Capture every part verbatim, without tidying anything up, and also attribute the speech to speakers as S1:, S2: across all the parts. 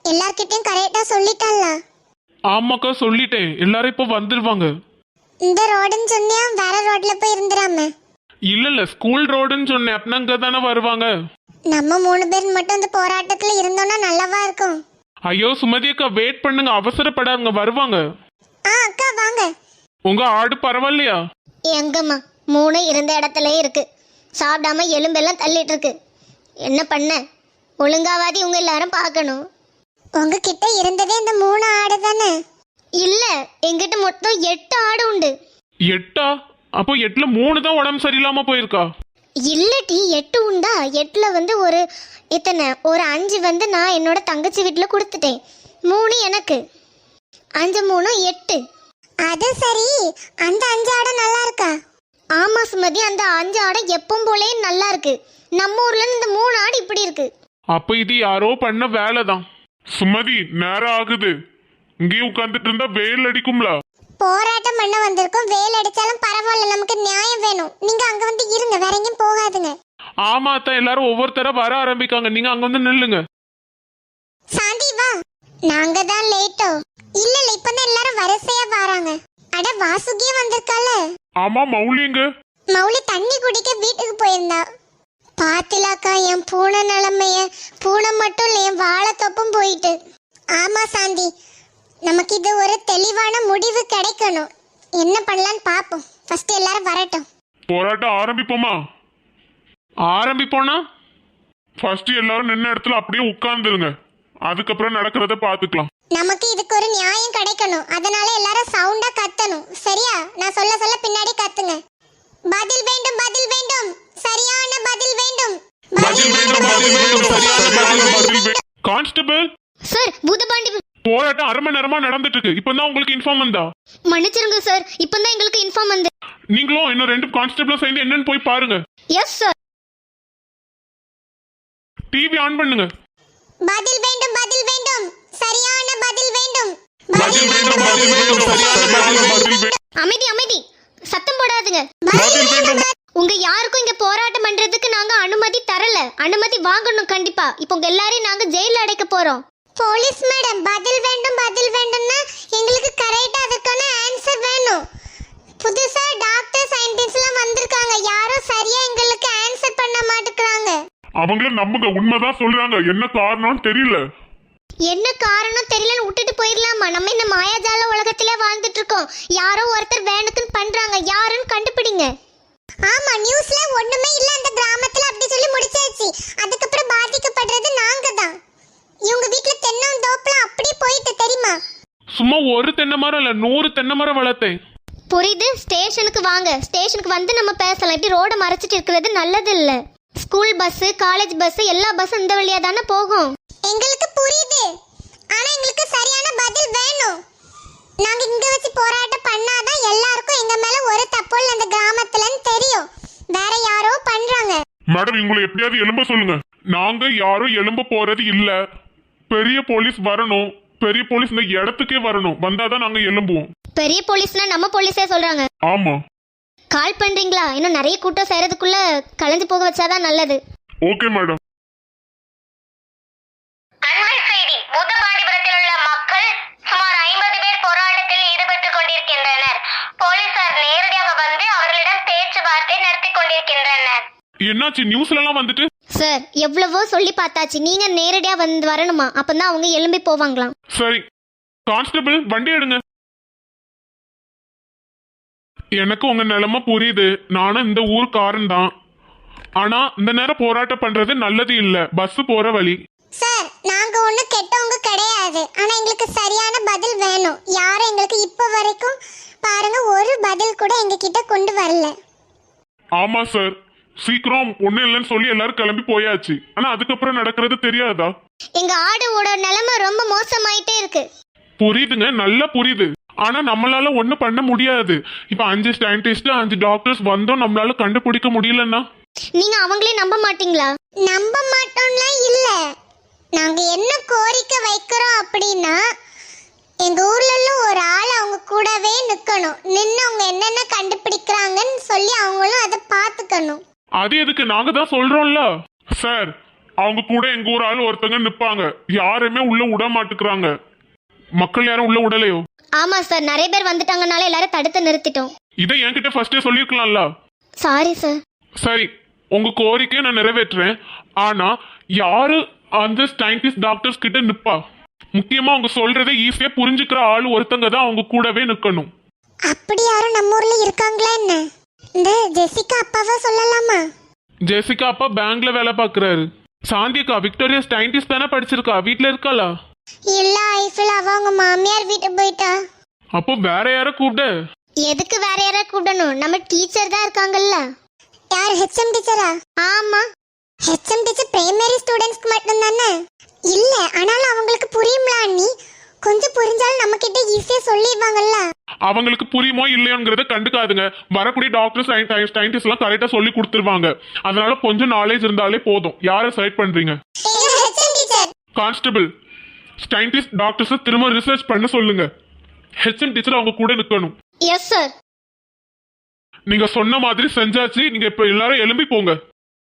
S1: எல்லார்கிட்டயும் கரெக்டா சொல்லிட்டல்ல?
S2: ஆமாக்கா சொல்லிட்டேன், எல்லாரும் இப்போ வந்துருவாங்க.
S1: இந்த ரோடுன்னு சொன்னியா வேற ரோட்ல போய் இருந்துராம.
S2: இல்ல இல்ல ஸ்கூல் ரோடுன்னு சொன்னேன், அப்படின்னா அங்க தானே வருவாங்க.
S1: நம்ம மூணு பேர் மட்டும் இந்த போராட்டத்துல இருந்தோம்னா நல்லாவா இருக்கும்.
S2: ஐயோ சுமதி அக்கா வெயிட் பண்ணுங்க, அவசரப்படாதுங்க, வருவாங்க.
S1: ஆ அக்கா வாங்க.
S2: உங்க ஆடு பரவாயில்லையா?
S3: எங்கம்மா மூணு இருந்த இடத்துல இருக்கு, சாப்பிடாம எலும்பெல்லாம் தள்ளிட்டு இருக்கு. என்ன பண்ண, ஒழுங்காவாதி உங்க எல்லாரும் பார்க்கணும்.
S1: உங்ககிட்ட இருந்ததே இந்த மூணு ஆடு தானே?
S3: இல்ல, எங்கிட்ட மொத்தம் எட்டு ஆடு உண்டு.
S2: எட்டா? அப்போ எட்டுல மூணு தான் உடம்பு சரியில்லாம போயிருக்கா?
S3: இல்லட்டி எட்டு உண்டா? எட்டுல வந்து ஒரு இத்தனை ஒரு அஞ்சு வந்து நான் என்னோட தங்கச்சி வீட்டுல கொடுத்துட்டேன், மூணு எனக்கு, அஞ்சு மூணு எட்டு.
S1: அது சரி, அந்த அஞ்சு ஆடு நல்லா இருக்கா?
S3: ஆமா சுமதி, அந்த அஞ்சு ஆடு எப்பவும் போலே நல்லா இருக்கு. நம்ம ஊர்ல இந்த மூணு ஆடு இப்படி இருக்கு.
S2: அப்ப இது யாரோ பண்ண வேலைதான். சுமதி நேரம் ஆகுது, இங்கேயே உட்கார்ந்துட்டு இருந்தா வெயில் அடிக்கும்ல.
S1: போராட்டம் பண்ண வந்திருக்கோம், வேல் அடிச்சாலும் பரவாயில்ல, நமக்கு நியாயம் வேணும். நீங்க அங்க வந்து இருங்க, வேற எங்கேயும் போகாதுங்க.
S2: ஆமா தான், எல்லாரும் ஒவ்வொருத்தர வர ஆரம்பிக்காங்க, நீங்க அங்க வந்து நில்லுங்க.
S1: சாந்தி வா. நாங்க தான் லேட்டோ? இல்ல இல்ல, இப்பதான் எல்லாரும் வரிசையா வராங்க. அட வாசுகியே வந்திருக்கால.
S2: ஆமா மௌலிங்க.
S1: மௌலி தண்ணி குடிக்க வீட்டுக்கு போயிருந்தா. பாத்திலாக்கா என் பூனை நிலைமைய, பூனை மட்டும் இல்ல என் வாழைத்தொப்பும் போயிட்டு. ஆமா சாந்தி, நமக்கு இது ஒரு தெளிவான முடிவு கிடைக்கணும். என்ன பண்ணலான்னு பாப்போம், ஃபர்ஸ்ட் எல்லாரும் வரட்டும்.
S2: போராட்டம் ஆரம்பிப்போமா? ஆரம்பிப்போனா ஃபர்ஸ்ட் எல்லாரும் நின்ன இடத்துல அப்படியே உட்கார்ந்துருங்க, அதுக்கப்புறம் நடக்கிறத பாத்துக்கலாம்.
S1: நமக்கு இதுக்கு ஒரு நியாயம் கிடைக்கணும், அதனால எல்லாரும் சவுண்டா கத்தணும். சரியா? நான் சொல்ல சொல்ல பின்னாடி கத்துங்க. பதில் வேண்டும், பதில் வேண்டும், சரியான பதில் வேண்டும்.
S2: பதில் வேண்டும், பதில் வேண்டும், சரியான பதில் வேண்டும். Constable
S3: sir, Boothapandi.
S2: போராட்டம் அரை மணி நேரமா நடந்துட்டு இருக்கு, இப்பதான் உங்களுக்கு இன்ஃபார்ம் வந்தா?
S3: மன்னிச்சிருங்க சார், இப்பதான் எங்களுக்கு இன்ஃபார்ம் வந்து.
S2: நீங்களும் இன்னும் ரெண்டு கான்ஸ்டபிளும் சேர்ந்து என்னன்னு போய் பாருங்க.
S3: Yes sir.
S2: டிவி ஆன் பண்ணுங்க.
S1: பதில் வேண்டும், பதில் வேண்டும், சரியான பதில் வேண்டும்.
S2: பதில் வேண்டும், பதில் வேண்டும், சரியான பதில் வேண்டும்.
S3: அமைதி அமைதி, சத்தம் போடாதுங்க.
S2: பதில் வேண்டும்.
S3: உங்க யாருக்கும் இங்க போராட்டம் பண்றதுக்கு நாங்க அனுமதி தரல, அனுமதி வாங்கணும் கண்டிப்பா. இப்போ உங்க எல்லாரையும் நாங்க ஜெயில அடைக்க போறோம்.
S1: போலீஸ் மேடம், பதில் வேண்டும், பதில் வேண்டும்னா எங்களுக்கு கரெக்ட்டா அதுக்கான ஆன்சர் வேணும். புதுசா டாக்டர் சயின்டிஸ்ட் எல்லாம் வந்திருக்காங்க, யாரும் சரியா எங்களுக்கு ஆன்சர் பண்ண மாட்டேங்கறாங்க.
S2: அவங்கள நம்புங்க, உண்மைதான் சொல்றாங்க, என்ன காரணம் தெரியல.
S3: என்ன காரணம் தெரியலன்னு விட்டுட்டு போயிடலாமா? நம்ம இந்த மாயாஜால உலகத்திலே வாழ்ந்துட்டு இருக்கோம். யாரோ ஒருத்தர் வேணுக்குன்னு பண்றாங்க, யாருன்னு கண்டுபிடிங்க.
S1: ஆமா, நியூஸ்ல ஒண்ணுமே இல்ல அந்த கிராமத்துல அப்படி சொல்லி முடிச்சாச்சு. அதுக்கப்புறம் பாதிக்கப்படுறது நாங்க தான். இவங்க வீட்ல தென்னம் தோப்புலாம் அப்படியே போயிட்டு தெரியுமா?
S2: சும்மா ஒரு தென்னை மரம் இல்ல, நூறு தென்னை மரம் வளர்த்தேன்.
S3: புரியுது, ஸ்டேஷனுக்கு வாங்க, ஸ்டேஷனுக்கு வந்து நம்ம பேசலாம். இப்படி ரோட மறைச்சிட்டு இருக்கிறது நல்லது இல்ல. ஸ்கூல் பஸ், காலேஜ் பஸ், எல்லா பஸ்ஸும் இந்த வழியா தானே போகும்.
S1: எங்களுக்கு புரியுது, ஆனா எங்களுக்கு சரியான பதில் வேணும். நாங்க இங்க வச்சு போராட்டம் பண்ணாதான் எல்லாருக்கும் எங்க மேல ஒரு தப்பு இல்ல அந்த கிராமத்துலன்னு தெரியும். வேற யாரோ பண்றாங்க.
S2: மேடம் இவங்களை எப்படியாவது எழும்ப சொல்லுங்க. நாங்க யாரும் எழும்ப போறது இல்ல. பெரிய போலீஸ் வரணும், பெரிய போலீஸ் இந்த இடத்துக்கே வரணும், வந்தாதான் நாங்க எழும்புவோம்.
S3: பெரிய போலீஸ்னா நம்ம போலீஸே சொல்றாங்க.
S2: ஆமா.
S3: கால் பண்றீங்களா? இன்னும் நிறைய கூட்டம் சேரதுக்குள்ள கலந்து போக வச்சாதான் நல்லது.
S2: Okay madam.
S4: அண்மை செய்தி: பூதபாண்டிபுரத்தில் உள்ள மக்கள் சுமார் ஐம்பது பேர் போராட்டத்தில் ஈடுபட்டுக் கொண்டிருக்கின்றனர். போலீசார் நேரடியாக வந்து அவர்களிடம் பேச்சுவார்த்தை நடத்தி கொண்டிருக்கின்றனர்.
S2: என்னாச்சு? நியூஸ்ல எல்லாம் வந்துட்டு.
S3: சார், எவ்வளவோ சொல்லி பார்த்தாச்சு, நீங்க நேரடியா வந்து வரணுமா? அப்பதான் அவங்க எழும்பி போவாங்களாம்.
S2: சரி கான்ஸ்டபிள், வண்டி எடுங்க. எனக்கு உங்க நிலைமை புரியுது, நானும் இந்த ஊருக்காரன் தான். ஆனா இந்த நேரம் போராட்டம் பண்றது நல்லது இல்ல, பஸ் போற வழி.
S1: சார், நாங்க ஒண்ணு கெட்டவங்க கிடையாது, ஆனா எங்களுக்கு சரியான பதில் வேணும். யாரும் எங்களுக்கு இப்ப வரைக்கும் பாருங்க ஒரு பதில் கூட எங்க கிட்ட கொண்டு வரல.
S2: ஆமா சார், சீக்கிரம் ஒண்ணு இல்லைன்னு சொல்லி எல்லாரும் கிளம்பி போயாச்சு. ஆனா அதுக்கப்புறம் நடக்கிறது தெரியாதா?
S3: எங்க ஆடுவோட நிலைமை ரொம்ப மோசமாயிட்டே இருக்கு.
S2: புரியுதுங்க, நல்லா புரியுது. ஆனா நம்மளால ஒண்ணு பண்ண முடியாது. இப்ப அஞ்சு சயின்டிஸ்ட், அஞ்சு டாக்டர்ஸ் வந்தோம், நம்மளால கண்டுபிடிக்க முடியலன்னா
S3: நீங்க அவங்களே நம்ப மாட்டீங்களா?
S1: நம்ப மாட்டோம்லாம் இல்ல. நாங்க என்ன கோரிக்கை வைக்கிறோம் அப்படின்னா, எங்க ஊர்ல ஒரு ஆள் அவங்க கூடவே நிக்கணும், நின்று அவங்க என்னென்ன கண்டுபிடிக்கிறாங்கன்னு சொல்லி அவங்களும் அதை பாத்துக்கணும்.
S2: அது எதுக்கு? நாங்க தான் சொல்றோம்ல சார், அவங்க கூட எங்க ஊர் ஆள் ஒருத்தங்க நிப்பாங்க. யாருமே உள்ள விட மாட்டுக்கிறாங்க. மக்கள் யாரும் உள்ள விடலையோ?
S3: ஆமா சார், நிறைய பேர் வந்துட்டாங்கனால எல்லாரும் தடுத்து நிறுத்திட்டோம்.
S2: இதை என்கிட்ட ஃபர்ஸ்டே சொல்லிருக்கலாம்ல.
S3: Sorry sir.
S2: சரி, உங்க கோரிக்கையை நான் நிறைவேற்றுறேன். ஆனா யாரு அந்த சயின்டிஸ்ட் டாக்டர்ஸ் கிட்ட நிப்பா? முக்கியமா அவங்க சொல்றதை ஈஸியா புரிஞ்சுக்கிற ஆள் ஒருத்தங்க தான் அவங்க கூடவே நிக்கணும்.
S1: அப்படி யாரும் நம்ம ஊர்ல இருக்காங்களா என்ன? இந்த ஜெசிகா அப்பாவா சொல்லலாமா?
S2: ஜெசிகா அப்பா பேங்க்ல வேலை பாக்குறாரு. சாந்தியக்கா விக்டோரியா சயின்டிஸ்ட் தானே படிச்சிருக்கா, வீட்ல இருக்காளா?
S1: இல்ல ஐஃபில், அவ அவங்க மாமியார் வீட்டுக்கு போயிட்டா.
S2: அப்போ வேற யார கூப்பிட?
S3: எதுக்கு வேற யாரை கூப்பிடணும்? நம்ம டீச்சர் தான் இருக்காங்கல்ல.
S1: யார், ஹெச்எம் டீச்சரா?
S3: ஆமா.
S1: ஹெச்எம் டீச்சர் பிரைமரி ஸ்டூடெண்ட்ஸ்க்கு மட்டும் தானே? இல்ல, ஆனாலும் அவங்களுக்கு புரியும்ல அண்ணி. கொஞ்சம் புரிஞ்சாலும் நம்ம கிட்ட ஈஸியா சொல்லிடுவாங்கல்ல.
S2: அவங்களுக்கு புரியுமோ இல்லையோங்கிறத கண்டுக்காதுங்க. வரக்கூடிய டாக்டர் சயின்டிஸ்ட் எல்லாம் கரெக்டா சொல்லி கொடுத்துருவாங்க. அதனால கொஞ்சம் நாலேஜ் இருந்தாலே போதும். யாரை செலக்ட் பண்றீங்க?
S1: HM teacher.
S2: Constable, scientist doctors திரும்ப ரிசர்ச் பண்ண சொல்லுங்க. ஹெச்எம் டீச்சர் அவங்க கூட நிக்கணும்.
S3: Yes sir.
S2: நீங்க சொன்ன மாதிரி செஞ்சாச்சு. நீங்க இப்ப எல்லாரும் எழும்பி போங்க.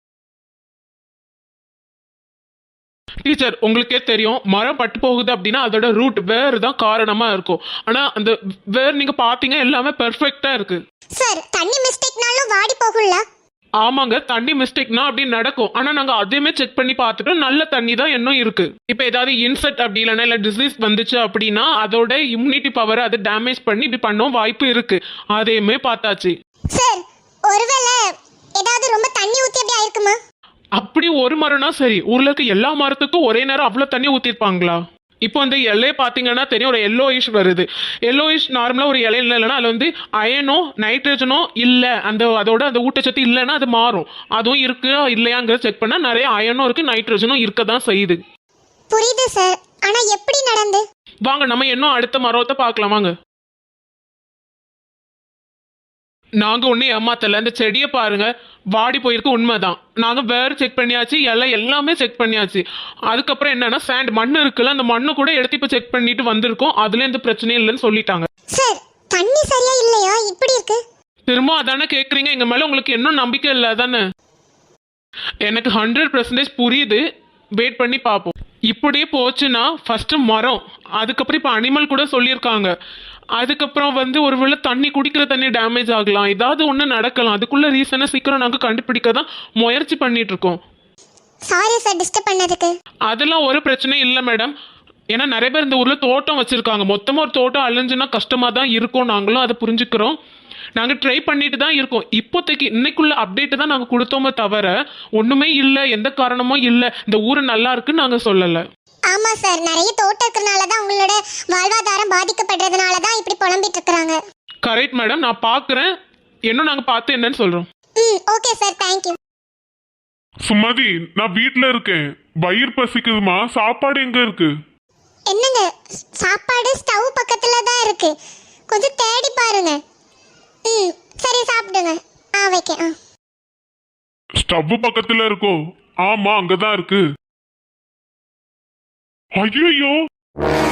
S5: டீச்சர், உங்களுக்கே தெரியும் மரம் பட்டு போகுது அப்படின்னா அதோட ரூட் வேர் தான் காரணமா இருக்கும். ஆனா அந்த வேர் நீங்க பாத்தீங்க எல்லாமே பெர்ஃபெக்ட்டா இருக்கு.
S1: சார், தண்ணி மிஸ்டேக்னாலும் வாடி போகும்ல?
S5: ஆமாங்க, தண்ணி மிஸ்டேக்னா அப்படி நடக்கும். ஆனா நாங்க அதையுமே செக் பண்ணி பார்த்துட்டோம், நல்ல தண்ணி தான் இன்னும் இருக்கு. இப்போ ஏதாவது இன்செக்ட் அப்படி இல்லைன்னா இல்லை டிசீஸ் வந்துச்சு அப்படின்னா அதோட இம்யூனிட்டி பவரை அதை டேமேஜ் பண்ணி இப்படி பண்ண வாய்ப்பு இருக்கு. அதையுமே பார்த்தாச்சு.
S1: சார், ஒருவேளை ஏதாவது ரொம்ப தண்ணி ஊத்தி அப்படி ஆயிருக்குமா?
S5: அப்படி ஒரு மரம்னா சரி, ஊர்ல இருக்க எல்லா மரத்துக்கும் ஒரே நேரம் அவ்வளவு தண்ணி ஊத்திருப்பாங்களா? இப்போ இந்த இலையை பார்த்தீங்கன்னா தெரியும், ஒரு எல்லோயிஷ் வருது. எல்லோயிஷ் நார்மலாக ஒரு இலையில இல்லைன்னா அதில் வந்து அயனோ நைட்ரஜனோ இல்லை, அந்த அதோட அந்த ஊட்டச்சத்து இல்லைன்னா அது மாறும். அதுவும் இருக்கு இல்லையாங்கிறத செக் பண்ணால் நிறைய அயனும் இருக்கு, நைட்ரஜனும் இருக்க தான் செய்யுது.
S1: புரியுது சார், ஆனா எப்படி நடந்து?
S5: வாங்க நம்ம இன்னும் அடுத்த மரத்தை பார்க்கலாம் வாங்க. நாங்க ஒண்ணு ஏமாத்தல, இந்த செடியை பாருங்க வாடி போயிருக்கு, உண்மைதான். நாங்க வேற செக் பண்ணியாச்சு, எல்லாம் எல்லாமே செக் பண்ணியாச்சு. அதுக்கப்புறம் என்னன்னா சாண்ட் மண்ணு இருக்குல்ல, அந்த மண்ணு கூட எடுத்து இப்ப செக் பண்ணிட்டு வந்திருக்கோம். அதுல எந்த பிரச்சனையும் இல்லைன்னு சொல்லிட்டாங்க.
S1: சார், தண்ணி சரியா இல்லையா? இப்படி இருக்கு.
S5: திரும்ப அதானே கேக்குறீங்க, எங்க மேல உங்களுக்கு இன்னும் நம்பிக்கை இல்லை தானே? எனக்கு ஹண்ட்ரட் பெர்சன்டேஜ் புரியுது, வெயிட் பண்ணி பார்ப்போம். இப்படியே போச்சுன்னா ஃபர்ஸ்ட் மரம், அதுக்கப்புறம் இப்போ அனிமல் கூட சொல்லியிருக்காங்க. அதுக்கப்புறம் வந்து ஒருவேளை தண்ணி குடிக்கிற தண்ணி டேமேஜ் ஆகலாம், ஏதாவது ஒன்று நடக்கலாம். அதுக்குள்ள ரீசனை சீக்கிரம் நாங்கள் கண்டுபிடிக்க தான் முயற்சி பண்ணிட்டு இருக்கோம்.
S1: சாரி சார் டிஸ்டர்ப் பண்ணதுக்கு.
S5: அதெல்லாம் ஒரு பிரச்சனையும் இல்லை மேடம். ஏன்னா நிறைய பேர் இந்த ஊரில் தோட்டம் வச்சிருக்காங்க. மொத்தமாக ஒரு தோட்டம் அழிஞ்சுன்னா கஷ்டமாக தான் இருக்கும், நாங்களும் அதை புரிஞ்சுக்கிறோம். நாங்கள் ட்ரை பண்ணிட்டு தான் இருக்கோம். இப்போதைக்கு இன்னைக்குள்ள அப்டேட்டு தான் நாங்கள் கொடுத்தோமே தவிர ஒன்றுமே இல்லை, எந்த காரணமும் இல்லை, இந்த ஊர் நல்லா இருக்குன்னு நாங்கள் சொல்லலை.
S1: ஆமா சார், நிறைய தோட்டம் இருக்கிறனால தான் உங்களோட வாழ்வாதாரம் பாதிக்கப்படுறதுனால தான் இப்படி புலம்பிட்டு இருக்காங்க.
S5: கரெக்ட் மேடம், நான் பார்க்குறேன். இன்னும் நாங்கள் பார்த்து என்னன்னு சொல்கிறோம்.
S1: ம், ஓகே சார், தேங்க்யூ.
S2: சுமதி, நான் வீட்ல இருக்கேன். வயிறு பசிக்குதுமா. சாப்பாடு எங்க இருக்கு?
S1: என்னங்க, சாப்பாடு ஸ்டவ் பக்கத்துல தான் இருக்கு, கொஞ்சம் தேடி பாருங்க. ம், சரி சாப்பிடுங்க. ஆ வைக்க. ஆ
S2: ஸ்டவ் பக்கத்துல இருக்கோ? ஆமா, அங்கதான் இருக்கு. ஐயோ,